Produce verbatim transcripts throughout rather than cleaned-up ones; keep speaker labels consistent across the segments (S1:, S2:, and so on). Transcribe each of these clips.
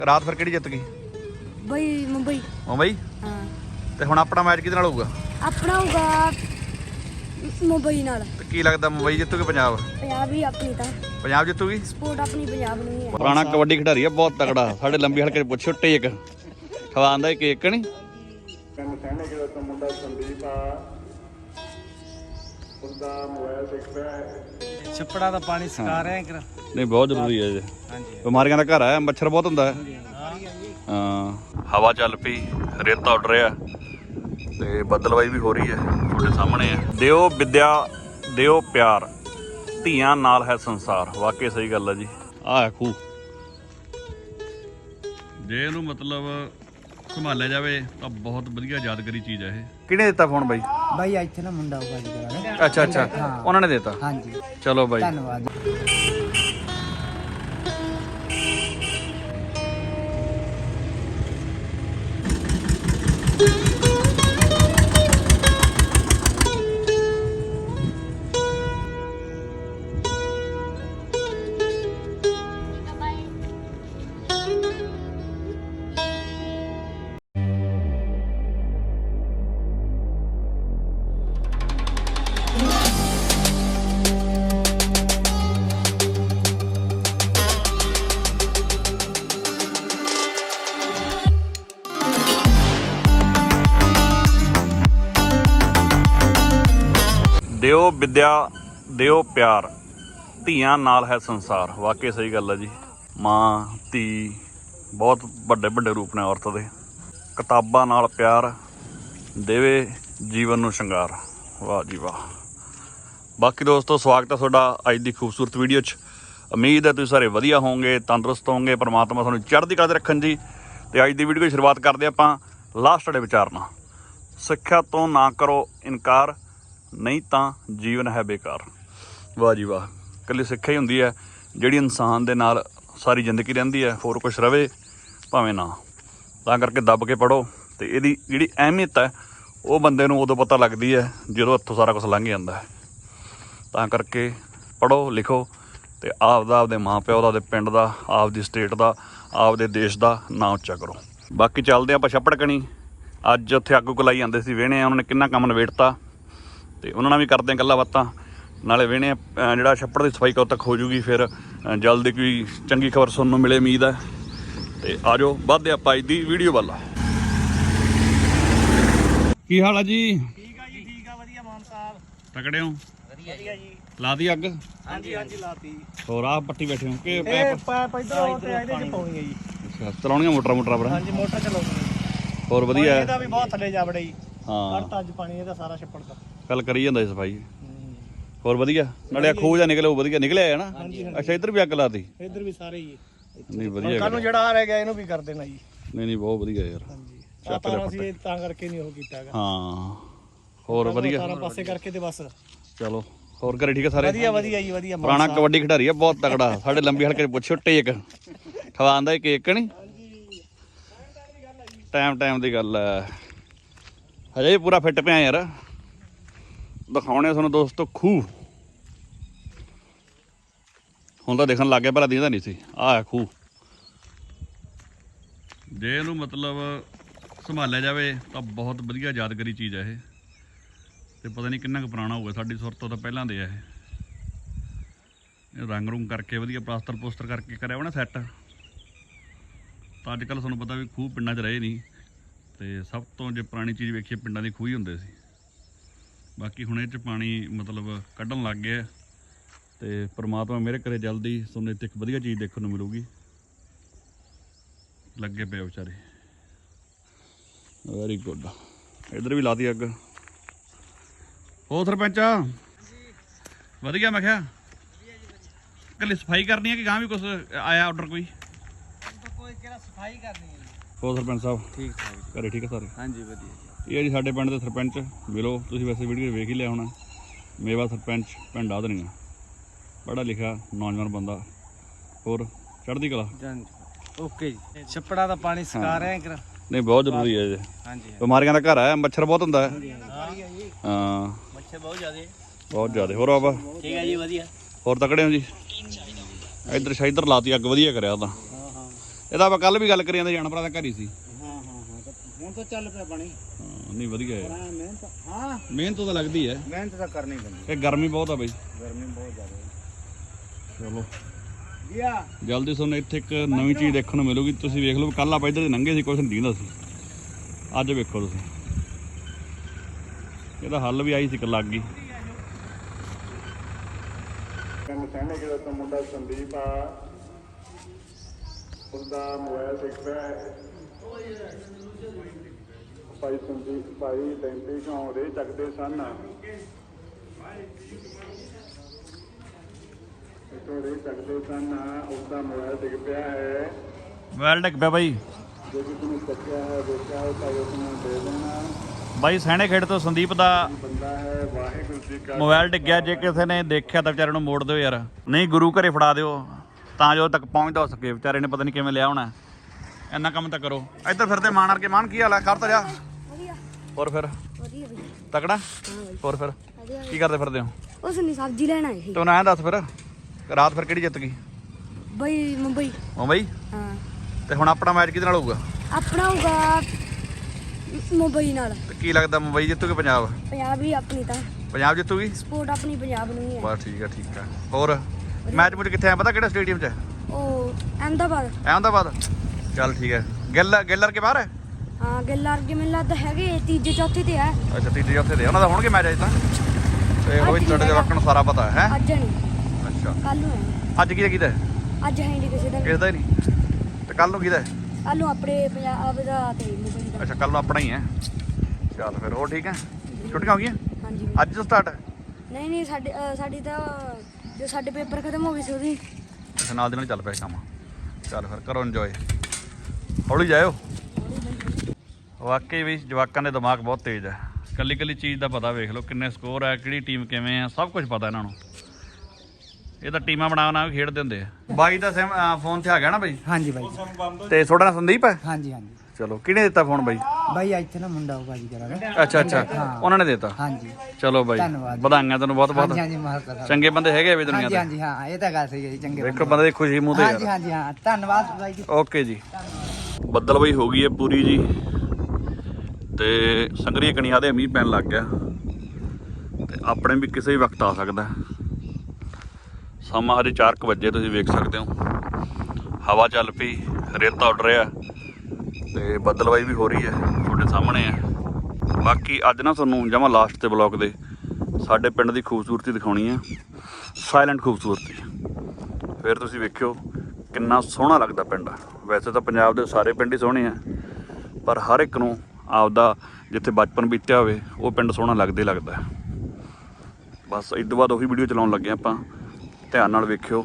S1: ਰਾਤ ਫਿਰ ਕਿਹੜੀ ਜਿੱਤ ਗਈ?
S2: ਬਈ ਮੁੰਬਈ।
S1: ਮੁੰਬਈ?
S2: ਹਾਂ।
S1: ਤੇ ਹੁਣ ਆਪਣਾ ਮੈਚ ਕਿਹਦੇ ਨਾਲ ਹੋਊਗਾ?
S2: ਆਪਣਾ ਹੋਊਗਾ ਮੁੰਬਈ ਨਾਲ।
S1: ਤੇ ਕੀ ਲੱਗਦਾ ਮੁੰਬਈ ਜਿੱਤੂਗੀ ਪੰਜਾਬ?
S2: ਪੰਜਾਬ ਹੀ ਆਪਣੀ ਤਾਂ।
S1: ਪੰਜਾਬ ਜਿੱਤੂਗੀ?
S2: ਸਪੋਰਟ ਆਪਣੀ ਪੰਜਾਬ ਨੂੰ ਹੀ ਹੈ।
S1: ਪੁਰਾਣਾ ਕਬੱਡੀ ਖਿਡਾਰੀ ਆ ਬਹੁਤ ਤਕੜਾ। ਸਾਡੇ ਲੰਬੀ ਹਲਕੇ ਪੁੱਛੋ ਟੇਕ ਖਵਾਉਂਦਾ ਹੀ ਕੇਕ ਨਹੀਂ।
S3: ਕਹਿੰਦੇ ਕਿ ਉਹ ਮੁੰਡਾ ਸੰਦੀਪ ਆ ਉਹਦਾ ਮੋਬਾਈਲ ਦੇਖ ਰਿਹਾ ਹੈ।
S4: ਛੱਪੜਾ ਦਾ ਪਾਣੀ ਸਕਾ ਰਹੇ ਕਿ
S1: ਨਹੀਂ ਬਹੁਤ ਜ਼ਰੂਰੀ ਹੈ ਜੀ।
S4: ਹਾਂਜੀ
S1: ਬਿਮਾਰੀਆਂ ਦਾ ਘਰ ਹੈ, ਮੱਛਰ ਬਹੁਤ ਹੁੰਦਾ ਹੈ। ਹਾਂ ਹਵਾ ਚੱਲ ਪਈ, ਰੇਤਾ ਉੱਡ ਰਿਹਾ ਤੇ ਬੱਦਲਵਾਈ ਵੀ ਹੋ ਰਹੀ ਹੈ। ਤੁਹਾਡੇ ਸਾਹਮਣੇ ਹੈ। ਦਿਓ ਵਿਦਿਆ ਦਿਓ ਪਿਆਰ, ਧੀਆਂ ਨਾਲ ਹੈ ਸੰਸਾਰ। ਵਾਕਈ ਸਹੀ ਗੱਲ ਹੈ ਜੀ। ਆਹ ਖੂਹ ਜੇ ਇਹਨੂੰ ਮਤਲਬ ਸੰਭਾਲਿਆ ਜਾਵੇ ਤਾਂ ਬਹੁਤ ਵਧੀਆ ਯਾਦਗਾਰੀ ਚੀਜ਼ ਹੈ ਇਹ। ਕਿਹਨੇ ਦਿੱਤਾ ਫੋਨ ਬਾਈ?
S4: ਬਾਈ ਇੱਥੇ ਨਾ ਮੁੰਡਾ ਹੋਊਗਾ ਜੀ ਕਰਾਂਗੇ।
S1: ਅੱਛਾ ਅੱਛਾ ਉਹਨਾਂ ਨੇ ਦਿੱਤਾ।
S4: ਹਾਂਜੀ
S1: ਚਲੋ ਬਾਈ
S4: ਧੰਨਵਾਦ।
S1: ਦਿਓ ਵਿਦਿਆ ਦਿਓ ਪਿਆਰ, ਧੀਆਂ ਨਾਲ ਹੈ ਸੰਸਾਰ। ਵਾਕਈ ਸਹੀ ਗੱਲ ਹੈ ਜੀ। ਮਾਂ ਧੀ ਬਹੁਤ ਵੱਡੇ ਵੱਡੇ ਰੂਪ ਨੇ ਔਰਤ ਦੇ। ਕਿਤਾਬਾਂ ਨਾਲ ਪਿਆਰ ਦੇਵੇ ਜੀਵਨ ਨੂੰ ਸ਼ਿੰਗਾਰ। ਵਾਹ ਜੀ ਵਾਹ। ਬਾਕੀ ਦੋਸਤੋ ਸਵਾਗਤ ਹੈ ਤੁਹਾਡਾ ਅੱਜ ਦੀ ਖੂਬਸੂਰਤ ਵੀਡੀਓ 'ਚ। ਉਮੀਦ ਹੈ ਤੁਸੀਂ ਸਾਰੇ ਵਧੀਆ ਹੋਵੋਗੇ, ਤੰਦਰੁਸਤ ਹੋਵੋਗੇ। ਪਰਮਾਤਮਾ ਤੁਹਾਨੂੰ ਚੜ੍ਹਦੀ ਕਲਾ 'ਤੇ ਰੱਖਣ ਜੀ। ਅਤੇ ਅੱਜ ਦੀ ਵੀਡੀਓ ਦੀ ਸ਼ੁਰੂਆਤ ਕਰਦੇ ਆਪਾਂ ਲਾਸਟ ਵਾਲੇ ਵਿਚਾਰ ਨਾਲ। ਸਿੱਖਿਆ ਤੋਂ ਨਾ ਕਰੋ ਇਨਕਾਰ, ਨਹੀਂ ਤਾਂ ਜੀਵਨ ਹੈ ਬੇਕਾਰ। ਵਾਹ ਜੀ ਵਾਹ। ਇਕੱਲੀ ਸਿੱਖਿਆ ਹੀ ਹੁੰਦੀ ਹੈ ਜਿਹੜੀ ਇਨਸਾਨ ਦੇ ਨਾਲ ਸਾਰੀ ਜ਼ਿੰਦਗੀ ਰਹਿੰਦੀ ਹੈ, ਹੋਰ ਕੁਛ ਰਵੇ ਭਾਵੇਂ ਨਾ। ਤਾਂ ਕਰਕੇ ਦੱਬ ਕੇ ਪੜ੍ਹੋ ਅਤੇ ਇਹਦੀ ਜਿਹੜੀ ਅਹਿਮੀਅਤ ਹੈ ਉਹ ਬੰਦੇ ਨੂੰ ਉਦੋਂ ਪਤਾ ਲੱਗਦੀ ਹੈ ਜਦੋਂ ਹੱਥੋਂ ਸਾਰਾ ਕੁਛ ਲੰਘ ਜਾਂਦਾ ਹੈ। ਤਾਂ ਕਰਕੇ ਪੜ੍ਹੋ ਲਿਖੋ ਅਤੇ ਆਪਦਾ ਆਪਦੇ ਮਾਂ ਪਿਓ ਦਾ, ਆਪਦੇ ਪਿੰਡ ਦਾ, ਆਪਦੀ ਸਟੇਟ ਦਾ, ਆਪਦੇ ਦੇਸ਼ ਦਾ ਨਾਂ ਉੱਚਾ ਕਰੋ। ਬਾਕੀ ਚੱਲਦੇ ਆਪਾਂ ਛੱਪੜ ਕਣੀ। ਅੱਜ ਉੱਥੇ ਅੱਗ ਉਗ ਲਾਈ ਜਾਂਦੇ ਸੀ, ਵਿਹਣੇ ਆ ਉਹਨਾਂ ਨੇ ਕਿੰਨਾ ਕੰਮ ਨਿਬੇੜਤਾ ਅਤੇ ਉਹਨਾਂ ਨਾਲ ਵੀ ਕਰਦੇ ਹਾਂ ਗੱਲਾਂ ਬਾਤਾਂ। ਨਾਲੇ ਵਿਹਣੇ ਜਿਹੜਾ ਛੱਪੜ ਦੀ ਸਫਾਈ ਕਦੋਂ ਤੱਕ ਹੋ ਜੂਗੀ, ਫਿਰ ਜਲਦੀ ਕੋਈ ਚੰਗੀ ਖਬਰ ਸੁਣਨ ਨੂੰ ਮਿਲੇ ਉਮੀਦ ਹੈ। ਅਤੇ ਆ ਜਾਓ ਵੱਧਦੇ ਆਪਾਂ ਅੱਜ ਦੀ ਵੀਡੀਓ ਵੱਲ। ਕੀ ਹਾਲ ਆ ਜੀ?
S4: ਠੀਕ ਆ ਜੀ, ਠੀਕ ਆ, ਵਧੀਆ ਮਾਨ ਸਾਹਿਬ।
S1: ਤਕੜੇ ਹੋ?
S4: ਵਧੀਆ ਜੀ।
S1: ਲਾ ਦੀ ਅੱਗ?
S4: ਹਾਂਜੀ ਹਾਂਜੀ ਲਾਤੀ।
S1: ਹੋਰ ਆਹ ਪੱਟੀ ਬੈਠੇ ਹੋ ਕਿ
S4: ਇਹ ਪਾਈਪ ਇਧਰੋਂ ਤੇ ਇਹਦੇ ਚ ਪਾਉਣੀ ਹੈ ਜੀ।
S1: ਅੱਛਾ ਚਲਾਉਣੀਆਂ ਮੋਟਰਾਂ ਮੋਟਰਾਂ ਪਰ?
S4: ਹਾਂਜੀ ਮੋਟਰ ਚਲਾਉਣੀ।
S1: ਹੋਰ ਵਧੀਆ
S4: ਇਹਦਾ ਵੀ ਬਹੁਤ ਥੱਲੇ ਜਾ ਵੜੇ ਜੀ।
S1: ਹਾਂ
S4: ਕੱਢਤਾ ਅੱਜ ਪਾਣੀ ਇਹਦਾ ਸਾਰਾ ਛੱਪੜ ਦਾ।
S1: ਕੱਲ ਕਰੀ ਜਾਂਦਾ ਸੀ ਸਫਾਈ। ਹੋਰ ਵਧੀਆ? ਨਾਲੇ ਆ ਖੂਹ ਜਾ ਨਿਕਲਿਆ ਉਹ ਵਧੀਆ ਨਿਕਲਿਆ ਹੈ ਨਾ? ਅੱਛਾ ਇੱਧਰ ਵੀ ਅੱਗ ਲਾਤੀ?
S4: ਇੱਧਰ ਵੀ ਸਾਰੇ ਹੀ।
S1: ਨਹੀਂ ਵਧੀਆ।
S4: ਕੱਲ ਨੂੰ ਜਿਹੜਾ ਆ ਰਹਿ ਗਿਆ ਇਹਨੂੰ ਵੀ ਕਰ ਦੇਣਾ ਜੀ।
S1: ਨਹੀਂ ਨਹੀਂ ਬਹੁਤ ਵਧੀਆ ਯਾਰ।
S4: ਹਾਂਜੀ ਆਪਾਂ ਅਸੀਂ ਤਾਂ ਕਰਕੇ ਨਹੀਂ ਉਹ ਕੀਤਾ ਹੈਗਾ।
S1: ਹਾਂ ਹੋਰ ਵਧੀਆ
S4: ਸਾਰਾ ਪਾਸੇ ਕਰਕੇ ਤੇ ਬਸ।
S1: ਚਲੋ ਹੋਰ ਘਰੇ ਠੀਕ ਹੈ ਸਾਰੇ?
S4: ਵਧੀਆ ਵਧੀਆ ਜੀ ਵਧੀਆ।
S1: ਪੁਰਾਣਾ ਕਬੱਡੀ ਖਿਡਾਰੀ ਆ ਬਹੁਤ ਤਕੜਾ। ਸਾਡੇ ਲੰਬੀ ਹਲਕੇ ਪੁੱਛੋ ਟੇਕ ਖਵਾਉਂਦਾ ਹੀ ਕੇਕ ਨਹੀਂ। ਟਾਈਮ ਟਾਈਮ ਦੀ ਗੱਲ ਹੈ। ਹਜੇ ਪੂਰਾ ਫਿੱਟ ਪਿਆ ਯਾਰ। ਦਿਖਾਉਣੇ ਤੁਹਾਨੂੰ ਦੋਸਤੋ ਖੂਹ। ਹੁਣ ਤਾਂ ਦੇਖਣ ਲੱਗ ਗਿਆ, ਪਹਿਲਾਂ ਦਿਖਦਾ ਨਹੀਂ ਸੀ। ਆਹ ਖੂਹ ਜੇ ਇਹਨੂੰ ਮਤਲਬ ਸੰਭਾਲਿਆ ਜਾਵੇ ਤਾਂ ਬਹੁਤ ਵਧੀਆ ਯਾਦਗਾਰੀ ਚੀਜ਼ ਹੈ ਇਹ। ਅਤੇ ਪਤਾ ਨਹੀਂ ਕਿੰਨਾ ਕੁ ਪੁਰਾਣਾ ਹੋਊਗਾ, ਸਾਡੀ ਸੁਰਤ ਤੋਂ ਤਾਂ ਪਹਿਲਾਂ ਦੇ ਆ ਇਹ। ਇਹ ਰੰਗ ਰੁੰਗ ਕਰਕੇ ਵਧੀਆ ਪਲਾਸਟਰ ਪੋਸਟਰ ਕਰਕੇ ਕਰਿਆ ਹੋਣਾ ਸੈੱਟ। ਤਾਂ ਅੱਜ ਕੱਲ੍ਹ ਤੁਹਾਨੂੰ ਪਤਾ ਵੀ ਖੂਹ ਪਿੰਡਾਂ 'ਚ ਰਹੇ ਨਹੀਂ, ਅਤੇ ਸਭ ਤੋਂ ਜੇ ਪੁਰਾਣੀ ਚੀਜ਼ ਵੇਖੀਏ ਪਿੰਡਾਂ ਦੇ ਖੂਹ ਹੀ ਹੁੰਦੇ ਸੀ। ਬਾਕੀ ਹੁਣ ਇਹ 'ਚ ਪਾਣੀ ਮਤਲਬ ਕੱਢਣ ਲੱਗ ਗਿਆ ਅਤੇ ਪਰਮਾਤਮਾ ਮੇਰੇ ਘਰੇ ਜਲਦੀ ਤੁਹਾਨੂੰ ਇੱਥੇ ਇੱਕ ਵਧੀਆ ਚੀਜ਼ ਦੇਖਣ ਨੂੰ ਮਿਲੂਗੀ। ਲੱਗੇ ਪਏ ਵਿਚਾਰੇ। Very good. ਇੱਧਰ ਵੀ ਲਾਤੀ ਅੱਗ। ਹੋਰ ਸਰਪੰਚ ਵਧੀਆ? ਮੈਂ ਕਿਹਾ ਇਕੱਲੀ ਸਫਾਈ ਕਰਨੀ ਹੈ ਕਿ ਗਾਂ ਵੀ ਕੁਛ ਆਇਆ ਆਰਡਰ ਕੋਈ?
S4: ਕੋਈ ਕਿਹੜਾ ਸਫਾਈ ਕਰਨੀ ਹੈ ਜੀ।
S1: ਹੋਰ ਸਰਪੰਚ ਸਾਹਿਬ
S4: ਠੀਕ ਠਾਕ
S1: ਘਰੇ ਠੀਕ ਹੈ ਸਾਰੇ?
S4: ਹਾਂਜੀ ਵਧੀਆ।
S1: ਇਹ ਹੈ ਜੀ ਸਾਡੇ ਪਿੰਡ ਦੇ ਸਰਪੰਚ। ਮਿਲੋ ਤੁਸੀਂ, ਵੈਸੇ ਵੀਡੀਓ ਵੇਖ ਹੀ ਲਿਆ ਹੋਣਾ। ਮੇਵਾ ਸਰਪੰਚ ਪਿੰਡ ਆਦਰੀਆਂ, ਪੜ੍ਹਾ ਲਿਖਿਆ ਨੌਜਵਾਨ ਬੰਦਾ। ਹੋਰ ਚੜ੍ਹਦੀ ਕਲਾ?
S4: ਓਕੇ ਜੀ। ਛੱਪੜਾ ਦਾ ਪਾਣੀ ਸਕਾ ਰਹੇ ਕਿ
S1: ਨਹੀਂ ਬਹੁਤ ਜ਼ਰੂਰੀ ਹੈ ਜੀ।
S4: ਹਾਂਜੀ
S1: ਬਿਮਾਰੀਆਂ ਦਾ ਘਰ ਹੈ, ਮੱਛਰ ਬਹੁਤ ਹੁੰਦਾ ਹੈ। ਹਾਂ
S4: ਮੱਛਰ ਬਹੁਤ ਜ਼ਿਆਦਾ
S1: ਬਹੁਤ ਜ਼ਿਆਦਾ। ਹੋਰ ਬਾਬਾ
S4: ਠੀਕ ਹੈ ਜੀ ਵਧੀਆ।
S1: ਹੋਰ ਤਕੜੇ ਹੋ ਜੀ? ਇੱਧਰ ਸ਼ਾਇਦਰ ਲਾਤੀ ਅੱਗ, ਵਧੀਆ ਕਰਿਆ ਤਾਂ। ਇਹਦਾ ਆਪਾਂ ਕੱਲ ਵੀ ਗੱਲ ਕਰੀ ਜਾਂਦੇ ਜਾਨਵਰਾਂ ਦਾ ਘਰ ਹੀ ਸੀ।
S4: ਹਾਂ ਹਾਂ ਹਾਂ ਤਾਂ ਹੁਣ ਤਾਂ ਚੱਲ ਪਿਆ ਪਾਣੀ।
S1: ਹਾਂ ਨਹੀਂ ਵਧੀਆ ਹੈ।
S4: ਹਾਂ ਮਿਹਨਤ ਹਾਂ
S1: ਮਿਹਨਤ ਤਾਂ ਲੱਗਦੀ ਹੈ।
S4: ਮਿਹਨਤ ਤਾਂ ਕਰਨੀ ਪੈਂਦੀ।
S1: ਇਹ ਗਰਮੀ ਬਹੁਤ ਆ ਬਈ।
S4: ਗਰਮੀ ਬਹੁਤ ਜ਼ਿਆਦਾ ਹੈ।
S1: ਚਲੋ
S4: ਗਿਆ
S1: ਜਲਦੀ ਤੁਹਾਨੂੰ ਇੱਥੇ ਇੱਕ ਨਵੀਂ ਚੀਜ਼ ਦੇਖਣ ਨੂੰ ਮਿਲੂਗੀ। ਤੁਸੀਂ ਵੇਖ ਲਓ ਕੱਲ ਆਪਾਂ ਇੱਧਰ ਦੇ ਲੰਘੇ ਸੀ ਕੁਛ ਨਹੀਂ ਦਿੰਦਾ ਸੀ। ਅੱਜ ਵੇਖੋ ਤੁਸੀਂ ਇਹਦਾ ਹੱਲ ਵੀ ਆਈ ਸੀ ਲੱਗ ਗਈ।
S3: ਪਿੰਡ ਸਹਿਣੇ ਕਿਹੜਾ ਤੋਂ ਮੁੰਡਾ ਸੰਦੀਪ ਆ, ਉਹਦਾ ਮੋਬਾਈਲ ਸਿੱਖ ਪਿਆ ਹੈ। ਭਾਈ ਸੰਦੀਪ ਭਾਈ ਡੈਂਪੀ ਤੋਂ ਰੇ ਚੱਕਦੇ ਸਨ, ਇਤੋਂ ਰੇ ਚੱਕਦੇ ਸਨ, ਉਹਦਾ ਮੋਬਾਈਲ ਡਿੱਗ ਪਿਆ ਹੈ।
S1: ਮੋਬਾਈਲ ਡਿੱਗ ਪਿਆ ਬਾਈ।
S3: ਜੇ ਕਿਸੇ ਨੇ ਚੱਕਿਆ ਹੈ ਵੇਚਿਆ ਹੈ ਤਾਂ ਉਸ ਨੂੰ ਦੇ ਦੇਣਾ।
S1: ਬਾਈ ਸਹਿਣੇ ਖੇਡ ਤੋਂ ਸੰਦੀਪ ਦਾ
S3: ਬੰਦਾ ਹੈ। ਵਾਹਿਗੁਰੂ ਜੀ ਕਾ
S1: ਮੋਬਾਈਲ ਡਿੱਗਿਆ। ਜੇ ਕਿਸੇ ਨੇ ਦੇਖਿਆ ਤਾਂ ਵਿਚਾਰੇ ਨੂੰ ਮੋੜ ਦਿਓ ਯਾਰ, ਨਹੀਂ ਗੁਰੂ ਘਰੇ ਫੜਾ ਦਿਓ ਤਾਂ ਜੋ ਤੱਕ ਪਹੁੰਚਦਾ ਹੋ ਸਕੇ। ਵਿਚਾਰੇ ਨੇ ਪਤਾ ਨਹੀਂ ਕਿਵੇਂ ਲਿਆ ਹੋਣਾ। ਇੰਨਾ ਕੰਮ ਤਾਂ ਕਰੋ। ਇੱਧਰ ਫਿਰਦੇ ਮਾਣ ਵਰਗੇ। ਮਾਣ ਕੀ ਹਾਲ ਹੈ? ਕਰ ਤਾਂ ਜਾ।
S2: ਵਧੀਆ
S1: ਹੋਰ ਫਿਰ
S2: ਵਧੀਆ ਬਈ।
S1: ਤਕੜਾ?
S2: ਹਾਂ ਬਈ
S1: ਹੋਰ ਫਿਰ
S2: ਵਧੀਆ
S1: ਕੀ ਕਰਦੇ ਫਿਰਦੇ ਹੋ?
S2: ਉਸ ਨੇ ਸਬਜ਼ੀ ਲੈਣ ਆਏ ਸੀ
S1: ਤੂੰ ਨਾ ਐਂ ਦੱਸ ਫਿਰ ਰਾਤ ਫਿਰ ਕਿਹੜੀ ਜਿੱਤ ਗਈ?
S2: ਬਈ ਮੁੰਬਈ।
S1: ਮੁੰਬਈ।
S2: ਹਾਂ
S1: ਤੇ ਹੁਣ ਆਪਣਾ ਮੈਚ ਕਿਹਦੇ ਨਾਲ ਹੋਊਗਾ?
S2: ਆਪਣਾ ਹੋਊਗਾ ਮੁੰਬਈ ਨਾਲ।
S1: ਤੇ ਕੀ ਲੱਗਦਾ ਮੁੰਬਈ ਜਿੱਤੂਗੀ ਪੰਜਾਬ?
S2: ਪੰਜਾਬ ਹੀ ਆਪਣੀ ਤਾਂ
S1: ਪੰਜਾਬ ਜਿੱਤੂਗੀ?
S2: ਸਪੋਰਟ ਆਪਣੀ ਪੰਜਾਬ ਨੂੰ ਹੀ ਹੈ।
S1: ਬਸ ਠੀਕ ਆ ਠੀਕ ਆ। ਹੋਰ ਮੈਚ ਮੁਝ ਕਿੱਥੇ ਆ ਪਤਾ ਕਿਹੜਾ ਸਟੇਡੀਅਮ 'ਚ?
S2: ਉਹ ਅਹਿਮਦਾਬਾਦ।
S1: ਅਹਿਮਦਾਬਾਦ। ਚੱਲ ਠੀਕ ਹੈ। ਗਿੱਲ ਗਿੱਲਰ ਕੇ ਬਾਹਰ ਹੈ?
S2: ਹਾਂ ਗਿੱਲ ਅਰਗੇ ਮੈਨੂੰ ਲੱਗਦਾ ਹੈਗੇ ਤੀਜੇ ਚੌਥੇ ਤੇ ਹੈ।
S1: ਅੱਛਾ ਤੀਜੇ ਚੌਥੇ ਦੇ ਉਹਨਾਂ ਦਾ ਹੋਣਗੇ ਮੈਚ ਅੱਜ ਤਾਂ। ਤੇ ਉਹ ਵੀ ਤੁਹਾਡੇ ਜਵਾਕਾਂ ਨੂੰ ਸਾਰਾ ਪਤਾ ਹੈ।
S2: ਅੱਜ ਨਹੀਂ
S1: ਅੱਛਾ
S2: ਕੱਲ ਨੂੰ ਹੈ।
S1: ਅੱਜ ਕਿਹਦਾ ਕਿਹਦਾ ਹੈ?
S2: ਅੱਜ ਹੈ ਨਹੀਂ ਕਿਸੇ ਦਾ
S1: ਕਿਸੇ ਦਾ ਹੀ ਨਹੀਂ। ਤੇ ਕੱਲ ਨੂੰ ਕਿਹਦਾ ਹੈ?
S2: ਕੱਲ ਨੂੰ ਆਪਣੇ ਪੰਜਾਬ ਦਾ ਤੇ ਮੁੰਬਈ ਦਾ।
S1: ਅੱਛਾ ਕੱਲ ਨੂੰ ਆਪਣਾ ਹੀ ਹੈ। ਚੱਲ ਫਿਰ ਹੋਰ ਠੀਕ ਹੈ। ਛੁੱਟੀਆਂ ਹੋ ਗਈਆਂ
S2: ਹਾਂਜੀ
S1: ਅੱਜ ਤੋਂ ਸਟਾਰਟ?
S2: ਨਹੀਂ ਨਹੀਂ ਸਾਡੇ ਅ, ਸਾਡੀ ਤਾਂ ਜੋ ਸਾਡੇ ਪੇਪਰ ਖਤਮ ਹੋ ਗਏ ਸੀ ਉਹਦੀ।
S1: ਅੱਛਾ ਨਾਲ ਦੀ ਨਾਲ ਚੱਲ ਪਿਆ ਕੰਮ। ਚੱਲ ਫਿਰ ਕਰੋ ਇੰਜੋਏ। ਹੌਲੀ ਜਾਇਓ। ਵਾਕਈ ਵੀ ਜਵਾਕਾਂ ਦੇ ਦਿਮਾਗ ਬਹੁਤ ਤੇਜ਼ ਹੈ। ਕੱਲੀ ਕੱਲੀ ਚੀਜ਼ ਦਾ ਪਤਾ ਵੇਖ ਲਓ ਕਿੰਨੇ ਸਕੋਰ ਹੈ, ਕਿਹੜੀ ਟੀਮ ਕਿਵੇਂ ਹੈ, ਸਭ ਕੁਝ ਪਤਾ ਇਹਨਾਂ ਨੂੰ। ਇਹ ਤਾਂ ਟੀਮਾਂ ਬਣਾ ਬਣਾ ਕੇ ਖੇਡਦੇ ਹੁੰਦੇ ਆ। ਬਾਈ ਦਾ ਸਿਮ ਫੋਨ ਤੇ ਆ ਗਿਆ ਨਾ ਬਾਈ?
S4: ਹਾਂਜੀ ਬਾਈ।
S1: ਤੇ ਤੁਹਾਡਾ ਨਾਂ ਸੰਦੀਪ ਹੈ?
S4: ਹਾਂਜੀ ਹਾਂਜੀ
S1: ਚਲੋ ਕਿਹਨੇ ਦਿੱਤਾ ਫੋਨ ਬਾਈ?
S4: ਬਾਈ ਇੱਥੇ ਨਾ ਮੁੰਡਾ ਉਹ ਬਾਜੀ ਕਰਾਂਗੇ।
S1: ਅੱਛਾ ਅੱਛਾ ਉਹਨਾਂ ਨੇ ਦਿੱਤਾ।
S4: ਹਾਂਜੀ
S1: ਚਲੋ ਬਾਈ
S4: ਧੰਨਵਾਦ।
S1: ਵਧਾਈਆਂ ਤੈਨੂੰ ਬਹੁਤ ਬਹੁਤ।
S4: ਹਾਂਜੀ ਹਾਂਜੀ ਮਾਰਕਾ
S1: ਚੰਗੇ ਬੰਦੇ ਹੈਗੇ ਵੀ ਦੁਨੀਆ
S4: ਹਾਂਜੀ
S1: ਤੇ।
S4: ਹਾਂਜੀ ਹਾਂ ਇਹ ਤਾਂ ਗੱਲ ਸਹੀ ਹੈ ਜੀ। ਚੰਗੇ
S1: ਵੇਖੋ ਬੰਦੇ ਦੀ ਖੁਸ਼ੀ ਮੂੰਹ ਤੇ
S4: ਹਾਂਜੀ
S1: ਯਾਰ।
S4: ਹਾਂਜੀ ਹਾਂ ਧੰਨਵਾਦ ਬਾਈ ਜੀ।
S1: ਓਕੇ ਜੀ। ਬੱਦਲ ਬਈ ਹੋ ਗਈ ਹੈ ਪੂਰੀ ਜੀ ਤੇ ਸੰਗਰੀ ਕਣੀਆਂ ਦੇ ਮੀਂਹ ਪੈਣ ਲੱਗ ਗਿਆ ਤੇ ਆਪਣੇ ਵੀ ਕਿਸੇ ਵੀ ਵਕਤ ਆ ਸਕਦਾ। ਸਮਾਂ ਹਜੇ ਚਾਰ ਕੁ ਵਜੇ ਤੁਸੀਂ ਵੇਖ ਸਕਦੇ ਹੋ। ਹਵਾ ਚੱਲ ਪਈ, ਰੇਤਾ ਉੱਡ ਰਿਹਾ ਤੇ ਬੱਦਲਬਾਈ ਵੀ ਹੋ ਰਹੀ ਹੈ ਤੁਹਾਡੇ ਸਾਹਮਣੇ ਹੈ। ਬਾਕੀ ਅੱਜ ਨਾ ਤੁਹਾਨੂੰ ਜਮਾਂ ਲਾਸਟ ਤੇ ਬਲੌਗ ਦੇ ਸਾਡੇ ਪਿੰਡ ਦੀ ਖੂਬਸੂਰਤੀ ਦਿਖਾਉਣੀ ਹੈ। ਸਾਇਲੈਂਟ ਖੂਬਸੂਰਤੀ। ਫਿਰ ਤੁਸੀਂ ਵੇਖਿਓ ਕਿੰਨਾ ਸੋਹਣਾ ਲੱਗਦਾ ਪਿੰਡ। ਵੈਸੇ ਤਾਂ ਪੰਜਾਬ ਦੇ ਸਾਰੇ ਪਿੰਡ ਹੀ ਸੋਹਣੇ ਆ ਪਰ ਹਰ ਇੱਕ ਨੂੰ ਆਪਦਾ ਜਿੱਥੇ ਬਚਪਨ ਬੀਤਿਆ ਹੋਵੇ ਉਹ ਪਿੰਡ ਸੋਹਣਾ ਲੱਗਦਾ ਹੀ ਲੱਗਦਾ। ਬਸ ਇਸ ਤੋਂ ਬਾਅਦ ਉਹੀ ਵੀਡੀਓ ਚਲਾਉਣ ਲੱਗੇ ਆਪਾਂ। ਧਿਆਨ ਨਾਲ ਵੇਖਿਓ।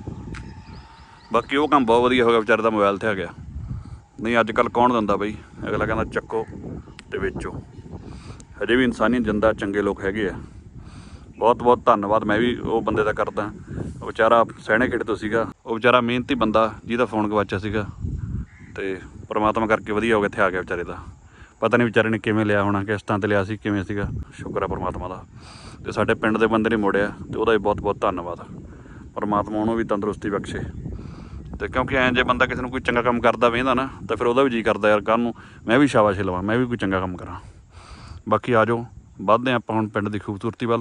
S1: ਬਾਕੀ ਉਹ ਕੰਮ ਬਹੁਤ ਵਧੀਆ ਹੋ ਗਿਆ ਵਿਚਾਰੇ ਦਾ ਮੋਬਾਈਲ 'ਤੇ ਆ ਗਿਆ। ਨਹੀਂ ਅੱਜ ਕੱਲ੍ਹ ਕੌਣ ਦਿੰਦਾ ਬਈ। ਅਗਲਾ ਕਹਿੰਦਾ ਚੱਕੋ ਤੇ ਵੇਚੋ। ਹਜੇ ਵੀ ਇਨਸਾਨੀਅਤ ਜਿੰਦਾ ਚੰਗੇ ਲੋਕ ਹੈਗੇ ਆ। ਬਹੁਤ ਬਹੁਤ ਧੰਨਵਾਦ ਮੈਂ ਵੀ ਉਹ ਬੰਦੇ ਦਾ ਕਰਦਾ। ਉਹ ਵਿਚਾਰਾ ਸਹਿਣੇ ਖੇਡ ਤੋਂ ਸੀਗਾ। ਉਹ ਵਿਚਾਰਾ ਮਿਹਨਤੀ ਬੰਦਾ ਜਿਹਦਾ ਫੋਨ ਗਵਾਚਿਆ ਸੀਗਾ ਤੇ ਪਰਮਾਤਮਾ ਕਰਕੇ ਵਧੀਆ ਹੋ ਗਿਆ ਇੱਥੇ ਆ ਗਿਆ ਵਿਚਾਰੇ ਦਾ। ਪਤਾ ਨਹੀਂ ਵਿਚਾਰੇ ਨੇ ਕਿਵੇਂ ਲਿਆ ਹੋਣਾ, ਕਿਸ਼ਤਾਂ 'ਤੇ ਲਿਆ ਸੀ ਕਿਵੇਂ ਸੀਗਾ। ਸ਼ੁਕਰ ਆ ਪਰਮਾਤਮਾ ਦਾ। ਤੇ ਸਾਡੇ ਪਿੰਡ ਦੇ ਬੰਦੇ ਨੇ ਮੋੜਿਆ ਤੇ ਉਹਦਾ ਵੀ ਬਹੁਤ ਬਹੁਤ ਧੰਨਵਾਦ। ਪਰਮਾਤਮਾ ਉਹਨੂੰ ਵੀ ਤੰਦਰੁਸਤੀ ਬਖਸ਼ੇ। ਤੇ ਕਿਉਂਕਿ ਐਂ ਜੇ ਬੰਦਾ ਕਿਸੇ ਨੂੰ ਕੋਈ ਚੰਗਾ ਕੰਮ ਕਰਦਾ ਵੇਂਦਾ ਨਾ ਤਾਂ ਫਿਰ ਉਹਦਾ ਵੀ ਜੀਅ ਕਰਦਾ ਯਾਰ ਕੱਲ੍ਹ ਨੂੰ ਮੈਂ ਵੀ ਸ਼ਾਬਾਸ਼ ਲਵਾਂ, ਮੈਂ ਵੀ ਕੋਈ ਚੰਗਾ ਕੰਮ ਕਰਾਂ। ਬਾਕੀ ਆ ਜਾਓ ਵੱਧਦੇ ਆਪਾਂ ਹੁਣ ਪਿੰਡ ਦੀ ਖੂਬਸੂਰਤੀ ਵੱਲ।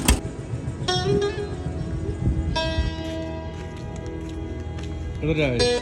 S1: ਕਿੱਧਰ ਜਾਏ?